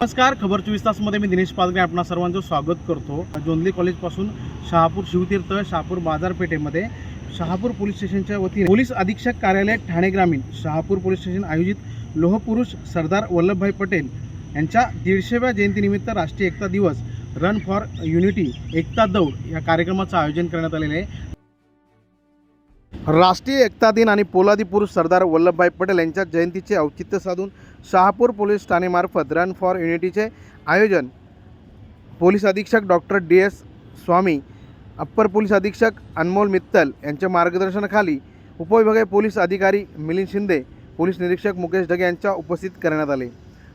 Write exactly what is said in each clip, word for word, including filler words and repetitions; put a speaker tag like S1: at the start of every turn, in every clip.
S1: नमस्कार, खबर चोवीस तासमध्ये मी दिनेश पालगे आपणा सर्वांचं स्वागत करतो। जोंधली कॉलेजपासून शहापूर शिवतीर्थ शहापूर बाजारपेठेमध्ये शहापूर पोलीस स्टेशनच्या वतीने पोलीस अधीक्षक कार्यालय ठाणे ग्रामीण शहापूर पोलीस स्टेशन आयोजित लोहपुरुष सरदार वल्लभभाई पटेल यांच्या दीडशेव्या जयंतीनिमित्त राष्ट्रीय एकता दिवस रन फॉर युनिटी एकता दौड या कार्यक्रमाचं आयोजन करण्यात आलेले आहे। राष्ट्रीय एकता दिन आणि पोलादी पुरुष सरदार वल्लभभाई पटेल यांच्या जयंतीचे औचित्य साधून शहापूर पोलीस ठाणेमार्फत रन फॉर युनिटीचे आयोजन पोलीस अधीक्षक doctor D S Swami, upper police अधीक्षक अनमोल मित्तल यांच्या मार्गदर्शनाखाली उपविभागीय पोलीस अधिकारी मिलिंद शिंदे, पोलीस निरीक्षक मुकेश ढगे यांच्या उपस्थित करण्यात आले।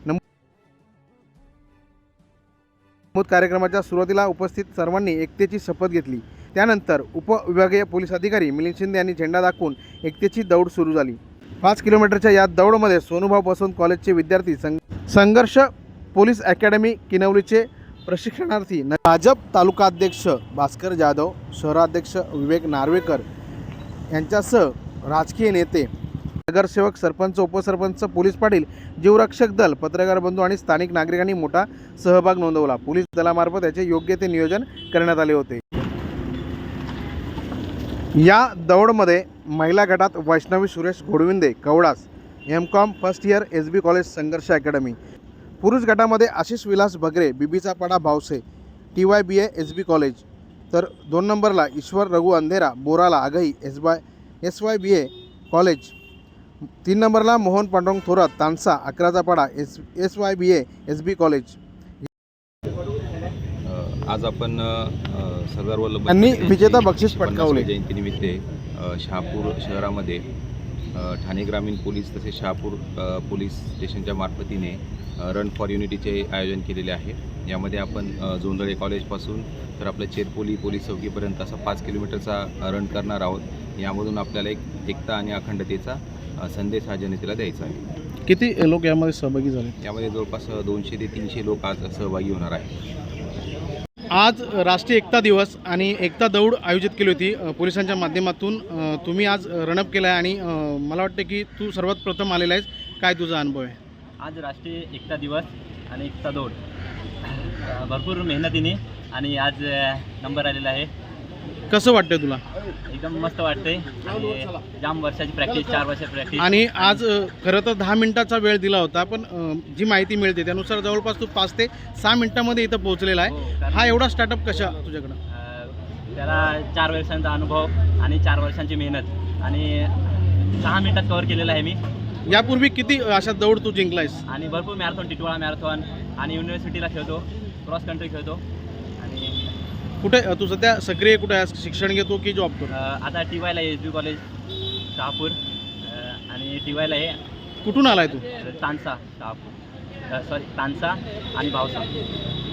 S1: नमूद कार्यक्रमाच्या सुरुवातीला उपस्थित सर्वांनी एकतेची शपथ घेतली। त्यानंतर उपविभागीय पोलीस अधिकारी मिलिंद शिंदे यांनी झेंडा दाखवून एकतेची दौड सुरू झाली। पाच किलोमीटरच्या या दौडमध्ये सोनूभाऊ बसवंत कॉलेजचे विद्यार्थी, संघर्ष पोलीस अकॅडमी किनवलीचे प्रशिक्षणार्थी, भाजप तालुकाध्यक्ष भास्कर जाधव, शहराध्यक्ष विवेक नार्वेकर यांच्यासह राजकीय नेते, नगरसेवक, सरपंच, उपसरपंच, पोलीस पाटील, जीवरक्षक दल, पत्रकार बंधू आणि स्थानिक नागरिकांनी मोठा सहभाग नोंदवला। पोलीस दलामार्फत याचे योग्य ते नियोजन करण्यात आले होते। या दौडमध्ये महिला गटात Vaishnavi Suresh Ghodvinde, Kawdas, M com first year, S B college Sangharsh academy. पुरुष गटामध्ये आशिष विलास भगरे, बीबीचा पाडा Bhavse, T Y B A, S B college. तर दोन नंबरला Ishwar Raghu Andhera, Borala, Aghai, S Y S Y B A college. तीन नंबरला मोहन पांडुरंग थोरात, तानसा, अकराचा पाडा, S S Y B A, S B college.
S2: आज आपण सरदार वल्लभभाई
S1: यांनी
S2: पटेल
S1: विजेता बक्षीस पटकावले।
S2: जयंतीनिमित्त शहापूर शहरामध्ये ठाणे ग्रामीण पोलीस तसेच शहापूर पोलीस स्टेशनच्या मार्फतीने रन फॉर युनिटीचे आयोजन केलेले आहे। यामध्ये आपण जोंधळे कॉलेजपासून तर आपल्या चेरपोली पोलीस चौकीपर्यंत असा पाच किलोमीटरचा रन करणार आहोत। यामधून आपल्याला एक एकता आणि अखंडतेचा संदेश हा जनतेला द्यायचा आहे।
S1: किती लोक यामध्ये सहभागी झाले?
S2: यामध्ये जवळपास दोनशे ते तीनशे लोक आज सहभागी होणार आहेत।
S1: आज राष्ट्रीय एकता दिवस आणि एकता दौड आयोजित केली होती पोलिसांच्या माध्यमातून। तुम्ही आज रणअप केला आहे आणि मला वाटतं की तू सर्वात प्रथम आलेला आहेस, काय तुझा अनुभव आहे?
S3: आज राष्ट्रीय एकता दिवस आणि एकता दौड भरपूर मेहनतीने आणि आज नंबर आलेला आहे।
S1: कसं वाटतंय तुला?
S3: एकदम मस्त वाटतंय आणि जाम वर्षाची प्रॅक्टिस, चार वर्षाची प्रॅक्टिस।
S1: आणि आज खरं तर दहा मिनिटाचा वेळ दिला होता, पण जी माहिती मिळते त्यानुसार जवळपास तू पाच ते सहा मिनिटांमध्ये इथं पोहोचलेला आहे। हा एवढा स्टार्टअप कशा तुझ्याकडं?
S3: त्याला चार वर्षांचा अनुभव आणि चार वर्षांची मेहनत आणि सहा मिनिटात कव्हर केलेला आहे मी।
S1: यापूर्वी किती अशा दौड तू जिंकलायस?
S3: आणि भरपूर मॅरेथॉन, टिटवाळा मॅरेथॉन आणि युनिव्हर्सिटीला खेळतो, क्रॉस कंट्री खेळतो। आणि
S1: कुठे तू सध्या सक्रिय कुठे आहेस? शिक्षण घेतो की जॉब करतो?
S3: आता टी वायला एस बी कॉलेज शहापूर आणि टी वायला आहे।
S1: कुठून आलाय तू?
S3: तानसा, शहापूर, सॉरी तानसा आणि भावसा।